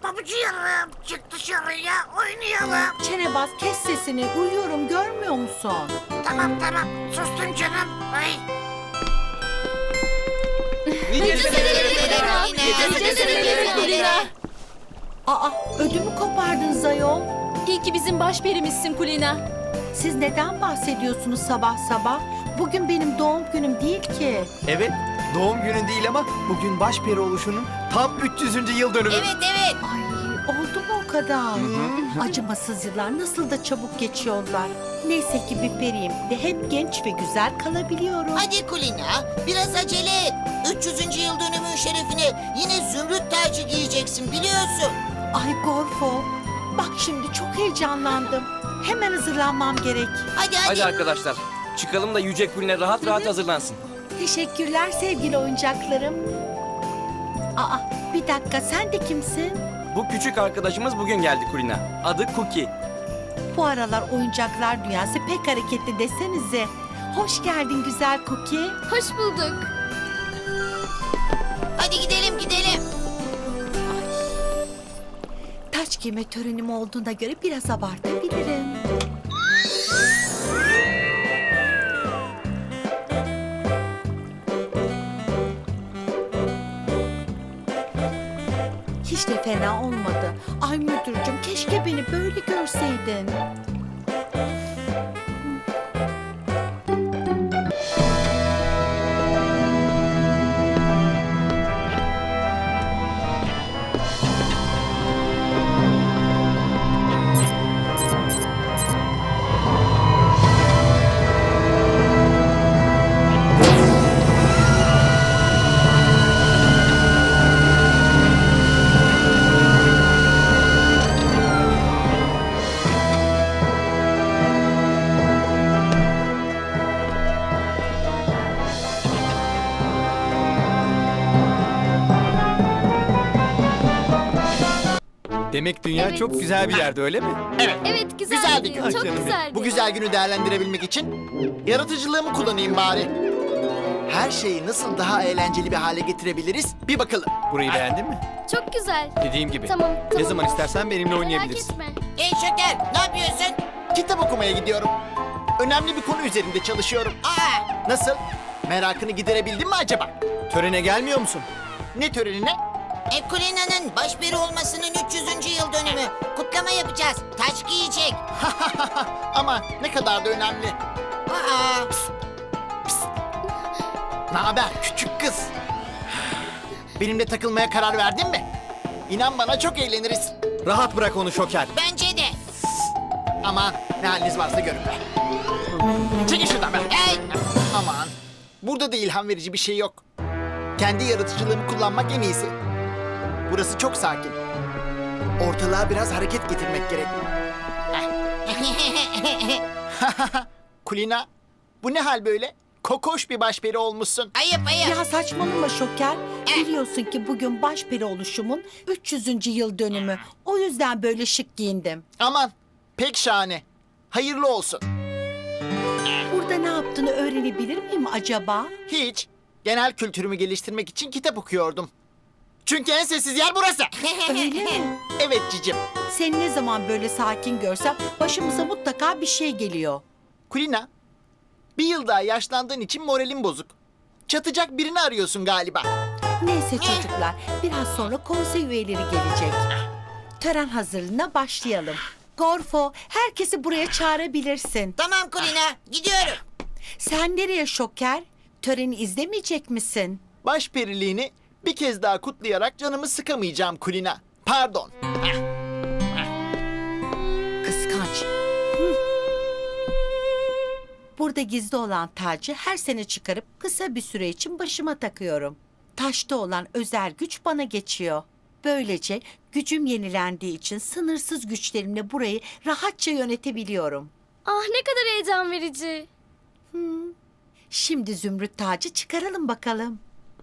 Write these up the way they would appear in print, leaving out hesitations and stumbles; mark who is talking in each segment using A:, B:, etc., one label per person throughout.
A: babacığım, çık dışarıya oynayalım.
B: Çenebaz, kes sesini. Uyuyorum, görmüyor musun?
A: Tamam, sustum canım. Ay.
B: Aa, ödümü kopardınız ayol.
C: İyi ki bizim başperimizsin Kulina.
B: Siz neden bahsediyorsunuz sabah sabah? Bugün benim doğum günüm değil ki.
D: Evet, doğum günün değil ama bugün başperi oluşunun tam 300. yıl dönümü.
E: Evet.
B: Ay, oldu mu o kadar? Acımasız yıllar nasıl da çabuk geçiyorlar. Neyse ki bir periyim ve hep genç ve güzel kalabiliyorum.
E: Hadi Kulina, biraz acele et. 300. yıl dönümün şerefine yine zümrüt tacı giyeceksin biliyorsun.
B: Ay Gorfo, bak şimdi çok heyecanlandım. Hemen hazırlanmam gerek.
E: Hadi.
F: Arkadaşlar, çıkalım da Yüce Kulina rahat rahat hazırlansın.
B: Teşekkürler sevgili oyuncaklarım. Aa, bir dakika, sen de kimsin?
F: Bu küçük arkadaşımız bugün geldi Kulina. Adı Cookie.
B: Bu aralar oyuncaklar dünyası pek hareketli desenize. Hoş geldin güzel Cookie.
C: Hoş bulduk.
E: Hadi gidelim.
B: Taç giyme törenim olduğuna göre biraz abartabilirim. Hiç de fena olmadı. Ay müdürcüm, keşke beni böyle görseydin.
D: Demek dünya
C: Evet.
D: çok güzel bir yerde, öyle mi?
C: Evet güzeldi.
G: Güzel bir gün.
C: Çok
D: Canım
C: güzeldi.
G: Bu güzel günü değerlendirebilmek için yaratıcılığımı kullanayım bari. Her şeyi nasıl daha eğlenceli bir hale getirebiliriz bir bakalım.
D: Burayı beğendin mi?
C: Çok güzel.
D: Dediğim gibi.
C: Tamam.
D: Ne zaman istersen benimle
C: Merak
D: oynayabilirsin.
C: etme.
E: Hey Şeker, ne yapıyorsun?
G: Kitap okumaya gidiyorum. Önemli bir konu üzerinde çalışıyorum.
E: Aa,
G: Nasıl? Merakını giderebildin mi acaba?
D: Törene gelmiyor musun?
G: Ne törenine?
E: Kulina'nın başperi olmasının 300. yıl dönümü. Kutlama yapacağız. Taç giyecek.
G: Ama ne kadar da önemli.
E: Aa,
G: Ne haber küçük kız? Benimle takılmaya karar verdin mi? İnan bana çok eğleniriz.
D: Rahat bırak onu Şoker.
E: bence de.
G: Aman ne haliniz varsa görün be. Çekil şuradan be.
E: Hey,
G: Aman. Burada da ilham verici bir şey yok. Kendi yaratıcılığımı kullanmak en iyisi. Burası çok sakin. Ortalığa biraz hareket getirmek gerek. Kulina, bu ne hal böyle? Kokoş bir başperi olmuşsun.
E: ayıp.
B: Ya saçmalama Şoker. Biliyorsun ki bugün başperi oluşumun 300. yıl dönümü. O yüzden böyle şık giyindim.
G: Aman, pek şahane. Hayırlı olsun.
B: Burada ne yaptığını öğrenebilir miyim acaba?
G: Hiç. Genel kültürümü geliştirmek için kitap okuyordum. Çünkü en sessiz yer burası.
B: Öyle mi?
G: Evet cicim.
B: Seni ne zaman böyle sakin görsem başımıza mutlaka bir şey geliyor.
G: Kulina, bir yıl daha yaşlandığın için moralin bozuk. Çatacak birini arıyorsun galiba.
B: Neyse çocuklar, biraz sonra konsey üyeleri gelecek. Tören hazırlığına başlayalım. Gorfo, herkesi buraya çağırabilirsin.
E: Tamam Kulina, gidiyorum.
B: Sen nereye Şoker? Töreni izlemeyecek misin?
G: Başperiliğini bir kez daha kutlayarak canımı sıkamayacağım Kulina. Pardon.
B: Kıskanç. Hı. Burada gizli olan tacı her sene çıkarıp kısa bir süre için başıma takıyorum. Taşta olan özel güç bana geçiyor. Böylece gücüm yenilendiği için sınırsız güçlerimle burayı rahatça yönetebiliyorum.
C: Ah ne kadar heyecan verici.
B: Şimdi zümrüt tacı çıkaralım bakalım.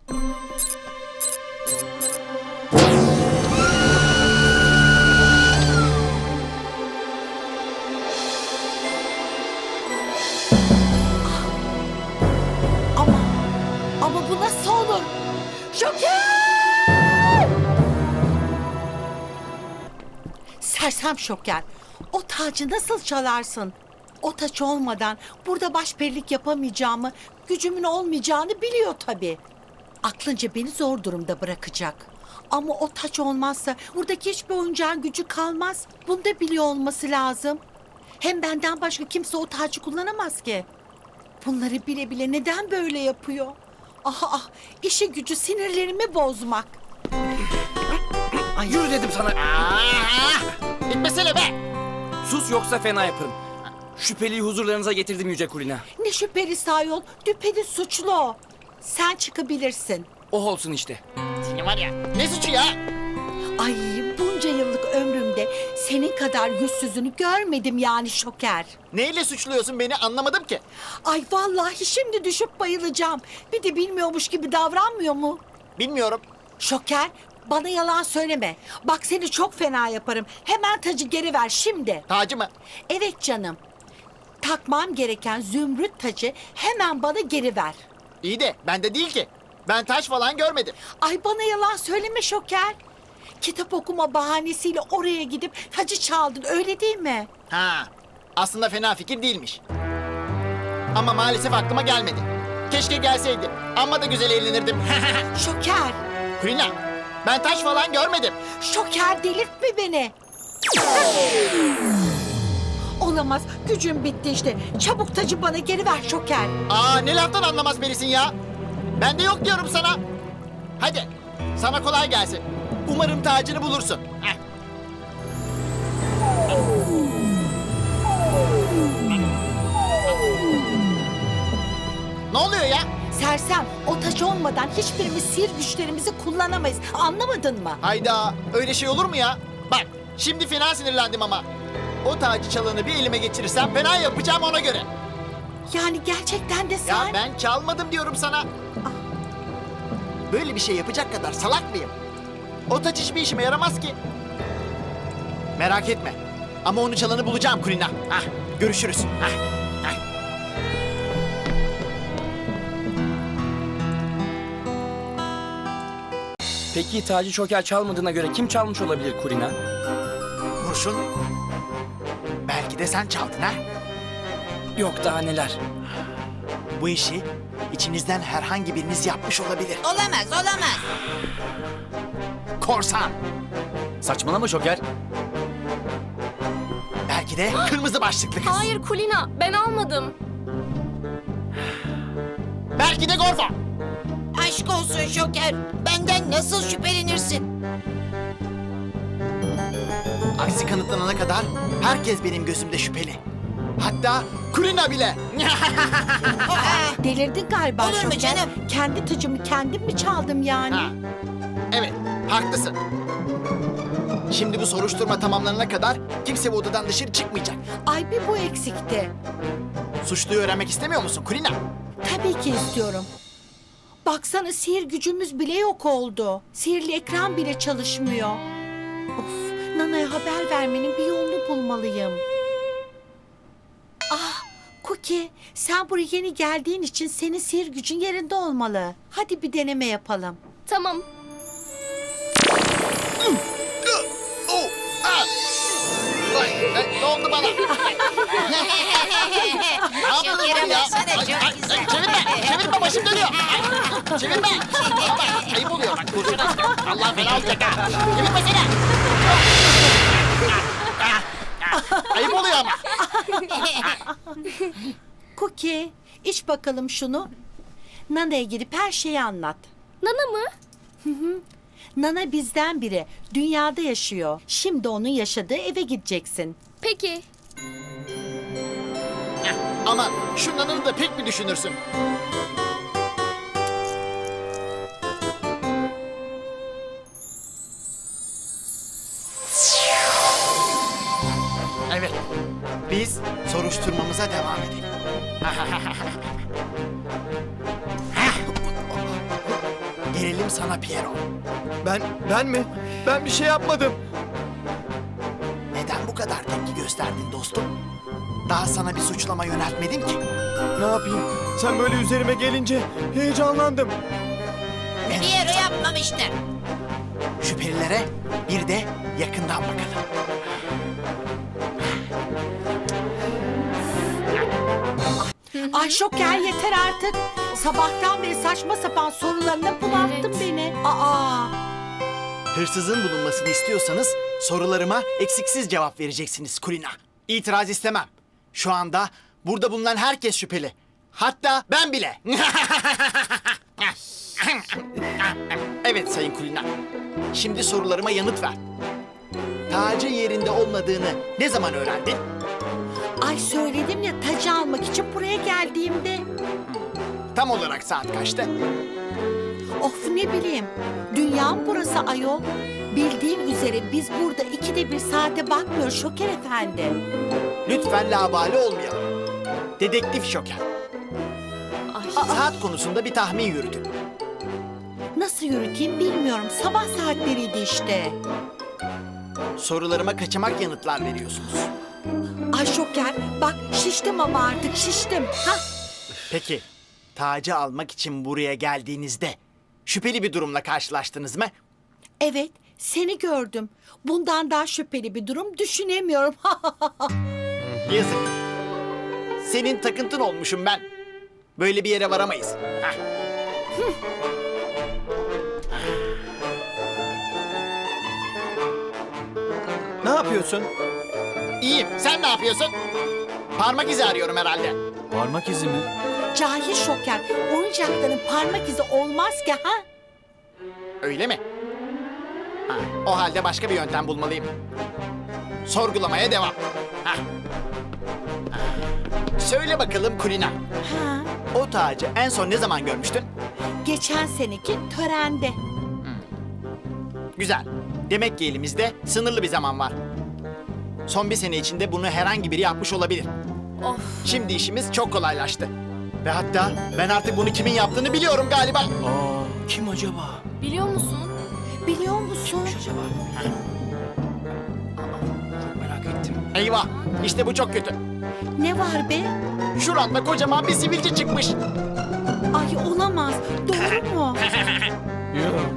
B: Ama bu nasıl olur? Şoker! Sersem Şoker. O tacı nasıl çalarsın? O taç olmadan burada başperilik yapamayacağımı, gücümün olmayacağını biliyor tabii. Aklınca beni zor durumda bırakacak. Ama o taç olmazsa buradaki hiçbir oyuncağın gücü kalmaz. Bunu da biliyor olması lazım. Hem benden başka kimse o tacı kullanamaz ki. Bunları bile bile neden böyle yapıyor? Ah, işi gücü sinirlerimi bozmak.
F: Ay, yürü dedim sana.
G: Bitmesene be.
F: Sus yoksa fena yaparım. Şüpheliyi huzurlarınıza getirdim Yüce Kulina.
B: Ne şüpheli ayol, düpedüz suçlu o. Sen çıkabilirsin.
F: Oh olsun işte.
G: Seni var ya. Ne suçu ya?
B: Ay, bunca yıllık ömrümde senin kadar yüzsüzünü görmedim yani Şoker.
G: Neyle suçluyorsun beni anlamadım ki.
B: Ay vallahi şimdi düşüp bayılacağım. Bir de bilmiyormuş gibi davranmıyor mu?
G: Bilmiyorum.
B: Şoker, bana yalan söyleme. Bak seni çok fena yaparım. Hemen tacı geri ver şimdi.
G: Tacı mı?
B: Evet canım. Takmam gereken zümrüt tacı hemen bana geri ver.
G: İyi de bende değil ki. Ben taş falan görmedim.
B: Ay bana yalan söyleme Şoker. Kitap okuma bahanesiyle oraya gidip tacı çaldın, öyle değil mi?
G: Ha. Aslında fena fikir değilmiş. Ama maalesef aklıma gelmedi. Keşke gelseydi. Amma da güzel eğlenirdim.
B: Şoker,
G: Kulina, ben taş falan görmedim.
B: Şoker delirtme beni. Olamaz, gücüm bitti işte. Çabuk tacı bana geri ver Şoker.
G: Aa, ne laftan anlamaz birisin ya. Ben de yok diyorum sana. Hadi, sana kolay gelsin. Umarım tacını bulursun. Heh. Ne oluyor ya?
B: Sersem, o taç olmadan hiçbirimiz sihir güçlerimizi kullanamayız. Anlamadın mı?
G: Hayda, öyle şey olur mu ya? Bak, şimdi fena sinirlendim ama. O tacı çalanı bir elime geçirirsem fena yapacağım ona göre.
B: Yani gerçekten de
G: Ya
B: sen...
G: ben çalmadım diyorum sana. Böyle bir şey yapacak kadar salak mıyım? O taç hiçbir işime yaramaz ki. Merak etme. Ama onu çalanı bulacağım Kulina. Hah, görüşürüz. Hah, hah.
F: Peki tacı Şoker çalmadığına göre kim çalmış olabilir Kulina?
G: Kurşun. Belki de sen çaldın ha?
F: Yok daha neler.
G: Bu işi içinizden herhangi biriniz yapmış olabilir.
E: Olamaz, olamaz.
G: Korsan.
D: Saçmalama Şoker.
G: Belki de kırmızı başlıklı kız.
C: Hayır Kulina, ben almadım.
G: Belki de Gorfo.
E: Aşk olsun Şoker. Benden nasıl şüphelenirsin?
G: Aksi kanıtlanana kadar herkes benim gözümde şüpheli. Hatta Kulina bile.
B: Delirdin galiba
E: Olur mu
B: Şoker.
E: canım?
B: Kendi tacımı kendim mi çaldım yani?
G: Ha. Evet, haklısın. Şimdi bu soruşturma tamamlanana kadar kimse bu odadan dışarı çıkmayacak.
B: Ay bir bu eksikti.
G: Suçluyu öğrenmek istemiyor musun Kulina?
B: Tabii ki istiyorum. Baksana sihir gücümüz bile yok oldu. Sihirli ekran bile çalışmıyor. Of, Nana'ya haber vermenin bir yolunu bulmalıyım. Ah, Cookie, sen buraya yeni geldiğin için senin sihir gücün yerinde olmalı. Hadi bir deneme yapalım.
C: Tamam.
G: Oh, ah! Ne oldu bana? Ne yaptınız
E: Şoker'e
G: ya?
E: baksana, çok
G: Ay,
E: güzel.
G: çevirme başım dönüyor. Ay, çevirme. Bana bak, ayıp oluyor bak kurşun asker. Allah fena olacak ha. Çevirmesene. Ayıp oluyor ama.
B: Cookie, iç bakalım şunu. Nana'ya gidip her şeyi anlat.
C: Nana mı?
B: Nana bizden biri. Dünyada yaşıyor. Şimdi onun yaşadığı eve gideceksin.
C: Peki.
G: Ama şu nanını da pek mi düşünürsün? Evet, biz soruşturmamıza devam edelim. Gelelim sana Piero.
D: Ben mi? Ben bir şey yapmadım.
G: Neden bu kadar tepki gösterdin dostum? Daha sana bir suçlama yöneltmedim ki.
D: Ne yapayım? Sen böyle üzerime gelince heyecanlandım.
E: Piero yapmamıştır.
G: Şüphelilere bir de yakından bakalım.
B: Ay Şoker yeter artık. Sabahtan beri saçma sapan sorularına bunalttın
C: Evet.
B: beni. Aa.
G: Hırsızın bulunmasını istiyorsanız sorularıma eksiksiz cevap vereceksiniz Kulina. İtiraz istemem. Şu anda burada bulunan herkes şüpheli. Hatta ben bile. Evet Sayın Kulina. Şimdi sorularıma yanıt ver. Tacın yerinde olmadığını ne zaman öğrendin?
B: Ay söyledim ya tacı almak için buraya geldiğimde.
G: Tam olarak saat kaçtı?
B: Of ne bileyim. Dünyam burası ayol. Bildiğin üzere biz burada 2'de 1 saate bakmıyoruz Şoker Efendi.
G: Lütfen labale olmayalım. Dedektif Şoker. Saat konusunda bir tahmin yürütün.
B: Nasıl yürüteyim bilmiyorum. Sabah saatleriydi işte.
G: Sorularıma kaçamak yanıtlar veriyorsunuz.
B: Ay Şoker bak şiştim ama artık şiştim. Hah.
G: Peki, tacı almak için buraya geldiğinizde şüpheli bir durumla karşılaştınız mı?
B: Evet seni gördüm. Bundan daha şüpheli bir durum düşünemiyorum.
G: Yazık. Senin takıntın olmuşum ben. Böyle bir yere varamayız. Hah.
D: Ne yapıyorsun?
G: İyiyim, sen ne yapıyorsun? Parmak izi arıyorum herhalde.
D: Parmak izi mi?
B: Cahil Şoker oyuncakların parmak izi olmaz ki ha?
G: Öyle mi? Ha, o halde başka bir yöntem bulmalıyım. Sorgulamaya devam. Hah. Söyle bakalım Kulina.
B: Ha.
G: O tacı en son ne zaman görmüştün?
B: Geçen seneki törende.
G: Güzel. Demek ki elimizde sınırlı bir zaman var. Son bir sene içinde bunu herhangi biri yapmış olabilir.
C: Of.
G: Şimdi işimiz çok kolaylaştı. Ve hatta ben artık bunu kimin yaptığını biliyorum galiba.
D: Kim acaba?
C: Biliyor musun?
B: Biliyor musun?
D: Acaba? Çok merak ettim.
G: Eyvah, işte bu çok kötü.
B: Ne var be?
G: Şuranda kocaman bir sivilce çıkmış.
B: Ay olamaz. Doğru mu?
D: Yok.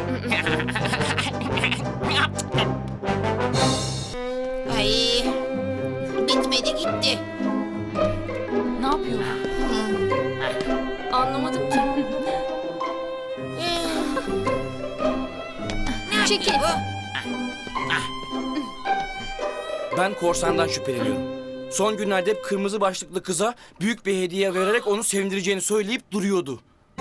E: Ay, bitmedi gitti.
C: Ne yapıyor? Anlamadım ki. Çekil.
F: Ben korsandan şüpheleniyorum. Son günlerde hep kırmızı başlıklı kıza büyük bir hediye vererek onu sevindireceğini söyleyip duruyordu.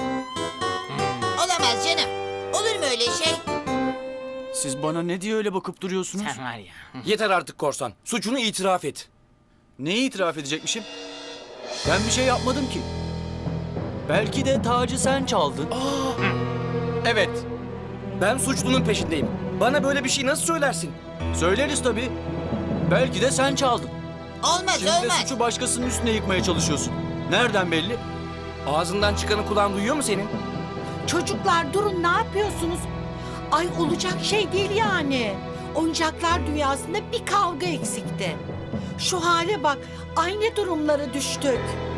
E: Olamaz canım. Olur mu öyle şey?
H: Siz bana ne diye öyle bakıp duruyorsunuz?
G: Var ya.
F: Yeter artık korsan. Suçunu itiraf et.
H: Neyi itiraf edecekmişim? Ben bir şey yapmadım ki. Belki de tacı sen çaldın.
F: Evet. Ben suçlunun peşindeyim. Bana böyle bir şey nasıl söylersin?
H: Söyleriz tabii. Belki de sen çaldın.
E: Olmaz
H: Şimdi de
E: olmaz.
H: suçu başkasının üstüne yıkmaya çalışıyorsun. Nereden belli?
F: Ağzından çıkanı kulağın duyuyor mu senin?
B: Çocuklar durun ne yapıyorsunuz? Ay olacak şey değil yani. Oyuncaklar dünyasında bir kavga eksikti. Şu hale bak aynı durumlara düştük.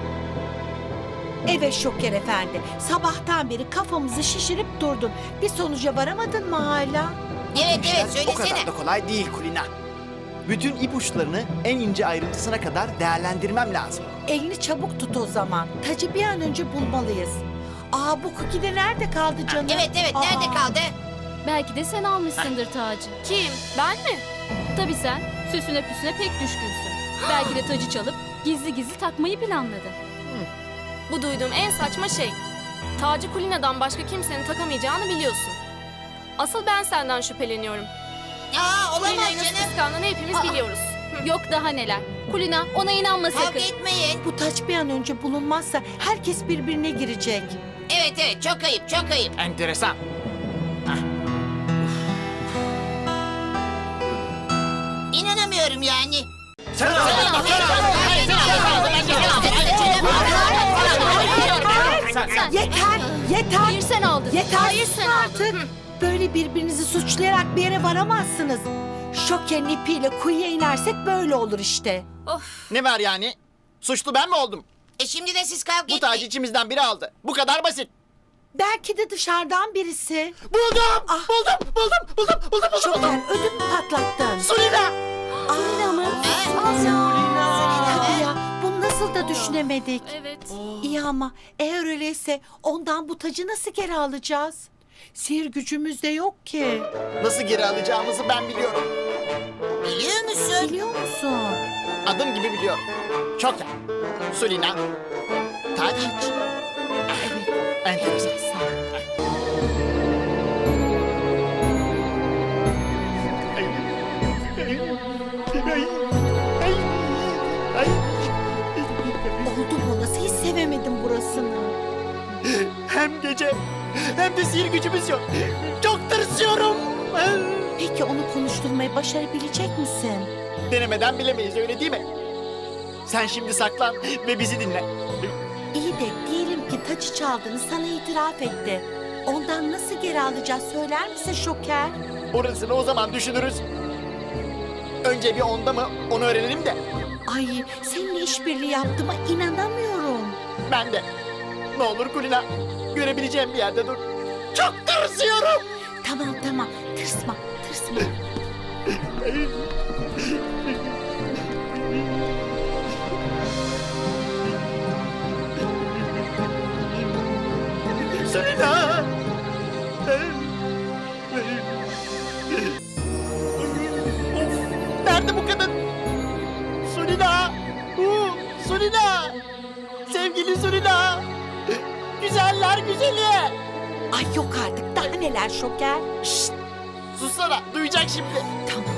B: Evet Şoker Efendi sabahtan beri kafamızı şişirip durdun. Bir sonuca varamadın mı hala?
E: Evet evet
G: O kadar
E: söylesene.
G: da kolay değil Kulina. Bütün ipuçlarını en ince ayrıntısına kadar değerlendirmem lazım.
B: Elini çabuk tut o zaman. Tacı bir an önce bulmalıyız. Aa bu cookie de nerede kaldı canım?
E: Evet evet nerede
B: Aa.
E: kaldı?
C: Belki de sen almışsındır tacı. Kim? Ben mi? Tabii sen süsüne püsüne pek düşkünsün. Belki de tacı çalıp gizli gizli takmayı planladın. Bu duyduğum en saçma şey. Tacı Kulina'dan başka kimsenin takamayacağını biliyorsun. Asıl ben senden şüpheleniyorum.
E: Aa olamaz
C: Kulina'yı nasıl
E: canım.
C: kıskandığını hepimiz biliyoruz. Yok daha neler. Kulina ona inanma
E: Kavga
C: sakın.
E: etmeyin.
B: Bu taç bir an önce bulunmazsa herkes birbirine girecek.
E: Evet evet çok ayıp çok ayıp.
G: Enteresan.
E: İnanamıyorum yani.
B: Yeter, yeter.
C: Hayır sen aldın.
B: Yeter
C: Hayır sen aldın.
B: artık. Böyle birbirinizi suçlayarak bir yere varamazsınız. Şoker'in ipiyle kuyuya inersek böyle olur işte.
C: Of.
G: Ne var yani? Suçlu ben mi oldum?
E: Şimdi de siz kavga
G: Bu
E: etmeyin.
G: tacı içimizden biri aldı. Bu kadar basit.
B: Belki de dışarıdan birisi.
G: Buldum!
B: Ah.
G: Buldum!
B: Şoker ödüm mü patlattın?
G: Sulina!
B: Sulina mı?
E: Ha?
B: Aa,
E: Sulina.
B: Tabii ya bunu nasıl da düşünemedik.
C: Evet.
B: İyi ama eğer öyleyse ondan bu tacı nasıl geri alacağız? Sihir gücümüz de yok ki.
G: Nasıl geri alacağımızı ben biliyorum.
E: Biliyor musun?
B: Biliyor musun?
G: Adım gibi biliyorum. Çok iyi. Sulina. Taç.
B: Evet.
G: Enteresan.
B: Sağ ol. Oldu mu? Nasıl hiç sevemedim burasını?
G: Hem gece hem de sihir gücümüz yok. Çok tırsıyorum.
B: Peki onu konuşturmayı başarabilecek misin?
G: Denemeden bilemeyiz, öyle değil mi? Sen şimdi saklan ve bizi dinle.
B: İyi de diyelim ki tacı çaldığını sana itiraf etti. Ondan nasıl geri alacağız söyler misin Şoker?
G: Orasını o zaman düşünürüz. Önce bir onda mı onu öğrenelim de.
B: Ay seninle işbirliği yaptığıma inanamıyorum.
G: Ben de. Ne olur Kulina, görebileceğim bir yerde dur. Çok tırsıyorum.
B: Tamam tamam tırsma tırsma.
G: Sulina. Nerede bu kadın? Sulina. Sulina. Sevgili Sulina. Güzeller güzeli.
B: Ay yok artık daha neler Şoker.
G: Şşt. Sussana, duyacak şimdi.
B: Tamam.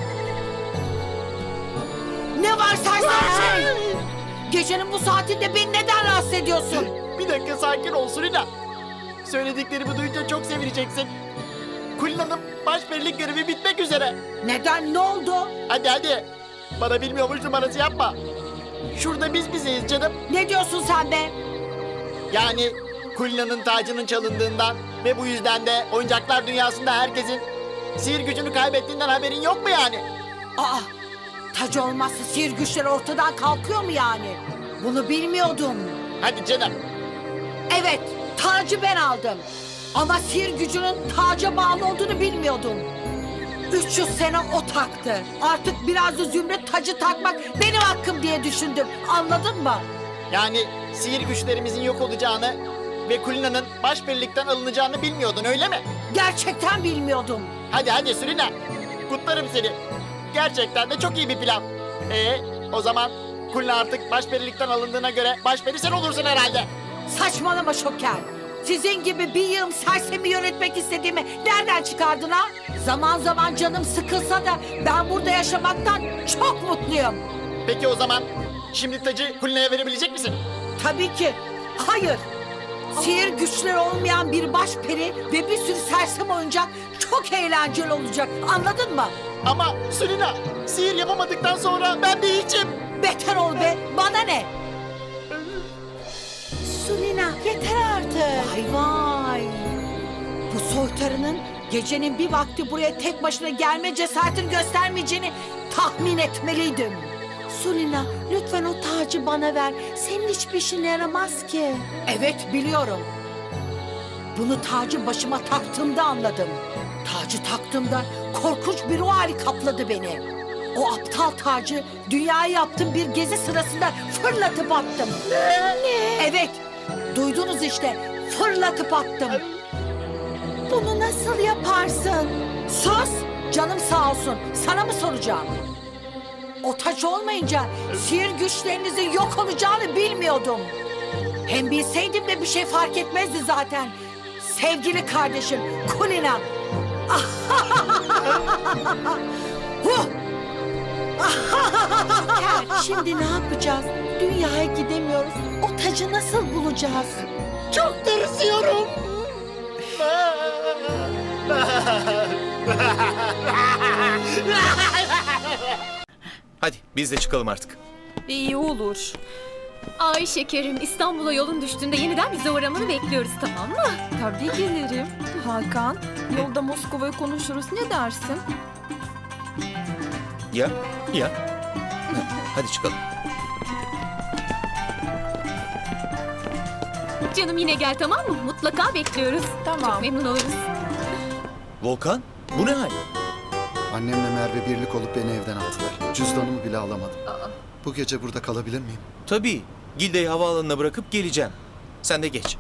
B: Ne var sersem şey? Gecenin bu saatinde beni neden rahatsız ediyorsun?
G: Bir dakika sakin ol Sulina. Söylediklerimi duyunca çok sevineceksin. Kulina'nın başperilik görevi bitmek üzere.
B: Neden ne oldu?
G: Hadi hadi. Bana bilmiyormuş numarası yapma. Şurada biz bizeyiz canım.
B: Ne diyorsun sen be?
G: Yani Kulina'nın tacının çalındığından ve bu yüzden de oyuncaklar dünyasında herkesin sihir gücünü kaybettiğinden haberin yok mu yani?
B: Aa, tac olmazsa sihir güçleri ortadan kalkıyor mu yani? Bunu bilmiyordum.
G: Hadi canım.
B: Evet, tacı ben aldım. Ama sihir gücünün taca bağlı olduğunu bilmiyordum. 300 sene o taktı. Artık biraz da Zümrüt tacı takmak benim hakkım diye düşündüm. Anladın mı?
G: Yani sihir güçlerimizin yok olacağını ve Kulina'nın başperilikten alınacağını bilmiyordun öyle mi?
B: Gerçekten bilmiyordum.
G: Hadi hadi Sulina. Kutlarım seni. Gerçekten de çok iyi bir plan. O zaman Kulina artık başperilikten alındığına göre başperi sen olursun herhalde.
B: Saçmalama Şoker. Sizin gibi bir yığım sersemi yönetmek istediğimi nereden çıkardın ha? Zaman zaman canım sıkılsa da ben burada yaşamaktan çok mutluyum.
G: Peki o zaman şimdi tacı Kulina'ya verebilecek misin?
B: Tabii ki. Hayır. Sihir güçleri olmayan bir başperi ve bir sürü sersem oyuncak çok eğlenceli olacak. Anladın mı?
G: Ama Sulina sihir yapamadıktan sonra ben bir hiçim.
B: Beter ol be. Bana ne? Sulina yeter artık. Vay vay. Bu soytarının gecenin bir vakti buraya tek başına gelme cesaretini göstermeyeceğini tahmin etmeliydim. Sulina lütfen o tacı bana ver. Senin hiçbir işine yaramaz ki. Evet biliyorum. Bunu tacı başıma taktığımda anladım. Tacı taktığımda korkunç bir ruh hali kapladı beni. O aptal tacı dünyaya yaptığım bir gezi sırasında fırlatıp attım. Ne? Evet, duydunuz işte, fırlatıp attım. Bunu nasıl yaparsın? Sus, canım sağ olsun, sana mı soracağım? O taç olmayınca sihir güçlerinizin yok olacağını bilmiyordum. Hem bilseydim de bir şey fark etmezdi zaten. Sevgili kardeşim, Kulina. Huh! Şimdi ne yapacağız? Dünyaya gidemiyoruz. O tacı nasıl bulacağız?
G: Çok tırsıyorum.
I: Hadi biz de çıkalım artık.
C: İyi olur. Ay şekerim, İstanbul'a yolun düştüğünde yeniden bize uğramanı bekliyoruz, tamam mı?
J: Tabii gelirim. Hakan, yolda Moskova'yı konuşuruz. Ne dersin?
I: Ya, ya. Hadi çıkalım.
C: Canım yine gel, tamam mı? Mutlaka bekliyoruz.
J: Tamam.
C: Çok memnun oluruz.
I: Volkan, bu ne hal?
K: Annemle Merve birlik olup beni evden attılar. Cüzdanımı bile alamadım. Bu gece burada kalabilir miyim?
I: Tabii, Gilde'yi havaalanına bırakıp geleceğim. Sen de geç.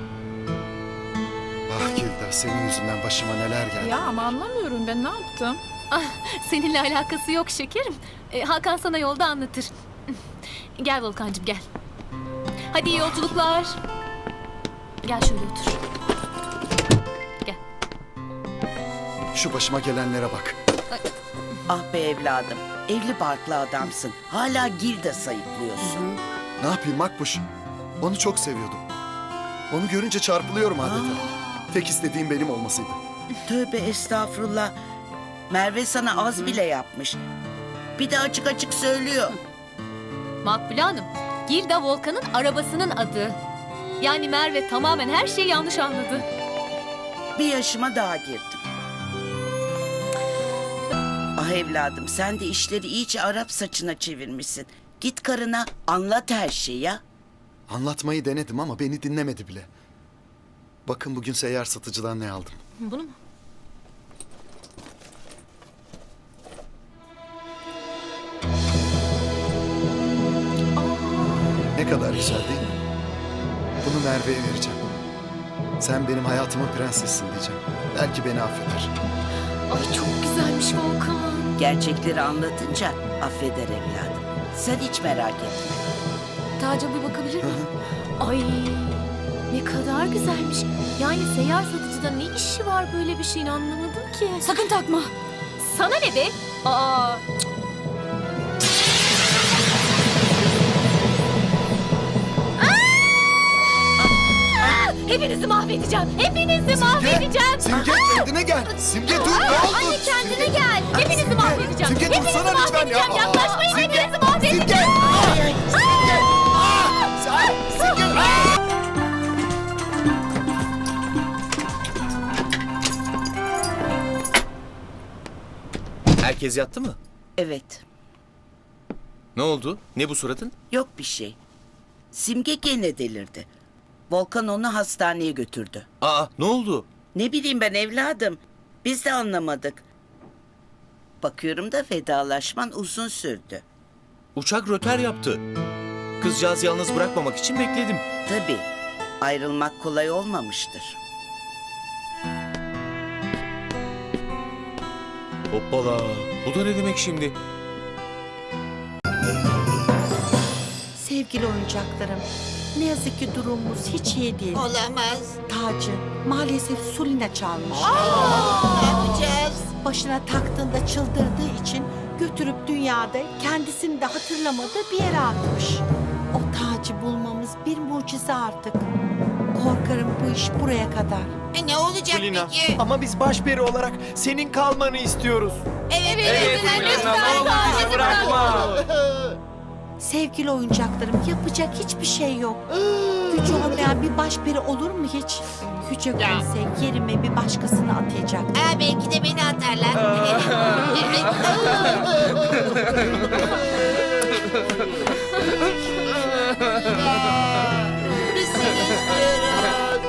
K: Ah Gilda, senin yüzünden başıma neler geldi.
J: Ya ama anlamıyorum ben ne yaptım?
C: Seninle alakası yok şekerim. Hakan sana yolda anlatır. Gel Volkancığım gel. Hadi iyi yolculuklar. Gel şöyle otur. Gel.
K: Şu başıma gelenlere bak.
B: Ah be evladım, evli barklı adamsın. Hala Gilda sayıklıyorsun.
K: Ne yapayım Makbuş? Onu çok seviyordum. Onu görünce çarpılıyorum adeta. Tek istediğim benim olmasıydı.
B: Tövbe estağfurullah. Merve sana az bile yapmış. Bir de açık açık söylüyor.
C: Makbule Hanım, Gilda Volkan'ın arabasının adı. Yani Merve tamamen her şeyi yanlış anladı.
B: Bir yaşıma daha girdim. Ah evladım, sen de işleri iyice Arap saçına çevirmişsin. Git karına anlat her şeyi ya.
K: Anlatmayı denedim ama beni dinlemedi bile. Bakın bugün seyyar satıcıdan ne aldım.
C: Bunu mu?
K: Ne kadar güzel değil mi? Bunu Merve'ye vereceğim. Sen benim hayatımın prensessin diyeceğim. Belki beni affeder.
C: Ay çok güzelmiş Volkan.
B: Gerçekleri anlatınca affeder evladım. Sen hiç merak etme.
C: Taca bir bakabilir miyim? Ay ne kadar güzelmiş. Yani seyyar satıcıda ne işi var böyle bir şeyin anlamadım ki. Sakın takma. Sana ne be? Aa. Hepinizi mahvedeceğim. Hepinizi mahvedeceğim.
K: Simge kendine gel. Simge dur ne oldu?
C: Anne kendine gel. Hepinizi mahvedeceğim.
K: Simge
C: Hepinizi
K: dursana lütfen ya.
C: mahvedeceğim. Yaklaşmayın.
K: Simge,
C: Hepinizi mahvedeceğim.
K: Simge. Simge. Simge.
I: Herkes yattı mı?
B: Evet,
I: Ne oldu? Ne bu suratın?
B: yok bir şey. Simge gene delirdi. Volkan onu hastaneye götürdü.
I: Aa, ne oldu?
B: Ne bileyim ben evladım. Biz de anlamadık. Bakıyorum da vedalaşman uzun sürdü.
I: Uçak röter yaptı. Kızcağızı yalnız bırakmamak için bekledim.
B: Tabii ayrılmak kolay olmamıştır.
I: Hoppala. Bu da ne demek şimdi?
B: Sevgili oyuncaklarım, ne yazık ki durumumuz hiç iyi değil.
E: Olamaz.
B: Tacı maalesef Sulina çalmış.
E: Ne yapacağız?
B: Başına taktığında çıldırdığı için götürüp dünyada kendisini de hatırlamadığı bir yere atmış. O tacı bulmamız bir mucize artık. Korkarım bu iş buraya kadar.
E: Ne olacak
D: Kulina,
E: peki?
D: ama biz başperi olarak senin kalmanı istiyoruz.
E: Evet,
F: Kulina, ne olur bizi bırakma.
B: Sevgili oyuncaklarım, yapacak hiçbir şey yok. Gücü olmayan bir başperi olur mu hiç? Güce koysa yerime bir başkasını atayacak.
E: Belki de beni atarlar. Biz seni istiyoruz.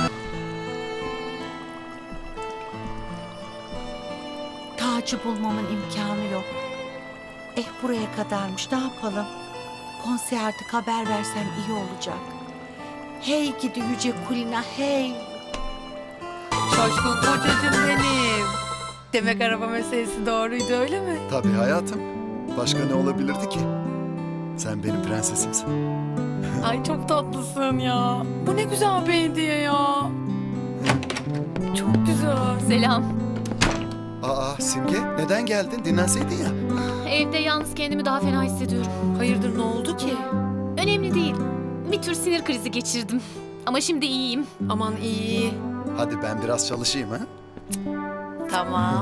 B: Tacı bulmamın imkanı yok. Buraya kadarmış, ne yapalım? Konserde haber versem iyi olacak. Hey gidi yüce Kulina, hey!
J: Coşkun kocacığım benim. Demek araba meselesi doğruydu öyle mi?
K: Tabii hayatım. Başka ne olabilirdi ki? Sen benim prensesimsin.
J: Ay çok tatlısın ya. Bu ne güzel bir hediye ya. Çok güzel.
C: Selam.
K: Aa Simge neden geldin? Dinlenseydin ya.
C: Evde yalnız kendimi daha fena hissediyorum.
J: Hayırdır ne oldu ki?
C: Önemli değil. Bir tür sinir krizi geçirdim. Ama şimdi iyiyim.
J: Aman iyi.
K: Hadi ben biraz çalışayım ha.
J: Tamam.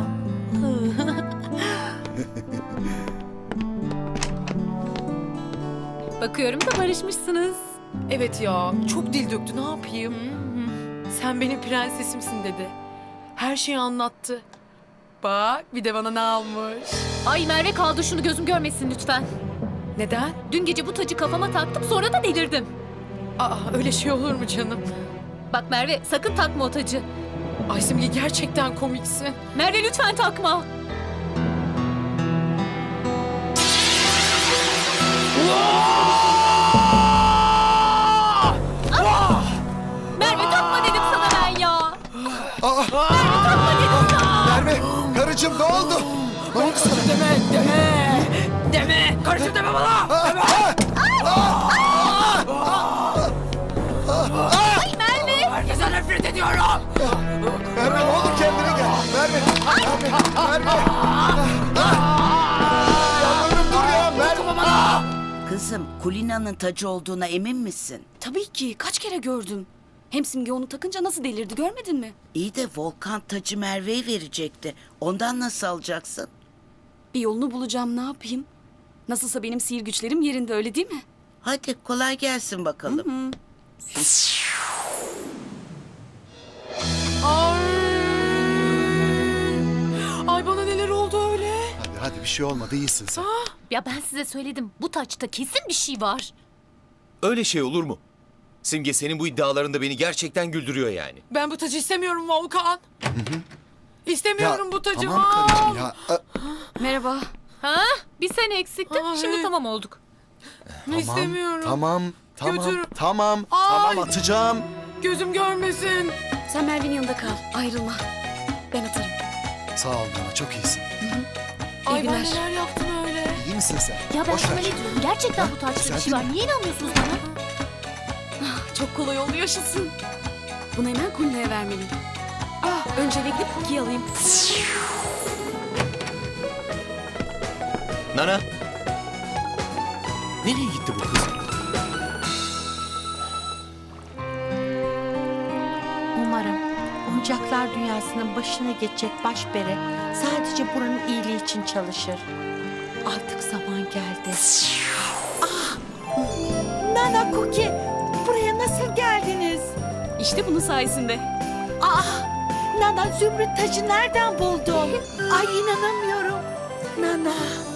C: Bakıyorum da barışmışsınız.
J: Evet ya çok dil döktü ne yapayım? Sen benim prensesimsin dedi. Her şeyi anlattı. Bak bir de bana ne almış.
C: Ay Merve kaldı şunu gözüm görmesin lütfen.
J: Neden?
C: Dün gece bu tacı kafama taktım sonra da delirdim.
J: Aa öyle şey olur mu canım?
C: Bak Merve sakın takma o tacı.
J: Ay Simge gerçekten komiksin.
C: Merve lütfen takma.
K: karıcığım ne oldu? Ne oldu sana?
J: Deme! Karışım deme bana! Herkese nefret ediyorum!
K: Merve ne olur kendine gel. Merve. Merve. Yalvarırım dur ya Merve.
L: Kızım, Kulina'nın tacı olduğuna emin misin?
C: Tabii ki. Kaç kere gördüm. Hem Simge onu takınca nasıl delirdi görmedin mi?
L: İyi de Volkan tacı Merve'ye verecekti. Ondan nasıl alacaksın?
C: Bir yolunu bulacağım, ne yapayım? Nasılsa benim sihir güçlerim yerinde, öyle değil mi?
L: Hadi kolay gelsin bakalım.
J: Ay bana neler oldu öyle?
K: Hadi bir şey olmadı iyisin sen.
C: Ya ben size söyledim, bu taçta kesin bir şey var.
I: Öyle şey olur mu? Simge senin bu iddialarında beni gerçekten güldürüyor yani.
J: Ben bu tacı istemiyorum Volkan. İstemiyorum bu tacı.
K: Tamam karıcığım ya.
C: Merhaba.
M: Ha? Bir sen eksiktin,
J: Ay.
M: şimdi tamam olduk.
J: İstemiyorum.
K: Tamam.
J: Götür.
K: Tamam
J: Ay.
K: atacağım.
J: Gözüm görmesin.
C: Sen Merve'nin yanında kal, ayrılma. Ben atarım.
K: Sağ ol Nana çok iyisin.
J: Ay ben
C: günler.
J: neler yaptım öyle.
K: İyi misin sen?
M: Ya ben
K: Boş
M: sana
K: ver.
M: ne diyorum? Gerçekten bu taçta
K: Güzel
M: bir şey
K: değil
M: var. Niye inanmıyorsunuz bana?
C: Çok kolay oldu, yaşasın. Bunu hemen Kulina'ya vermeliyim. Önce eve gidip Cookie'yi alayım.
I: Nana. Nereye gitti bu kız?
B: Umarım oyuncaklar dünyasının başına geçecek başpere sadece buranın iyiliği için çalışır. Artık zaman geldi. Ah! Nana Cookie, buraya nasıl geldiniz?
C: İşte bunun sayesinde.
B: Ah! Nana zümrüt tacı nereden buldun? Ay inanamıyorum. Nana.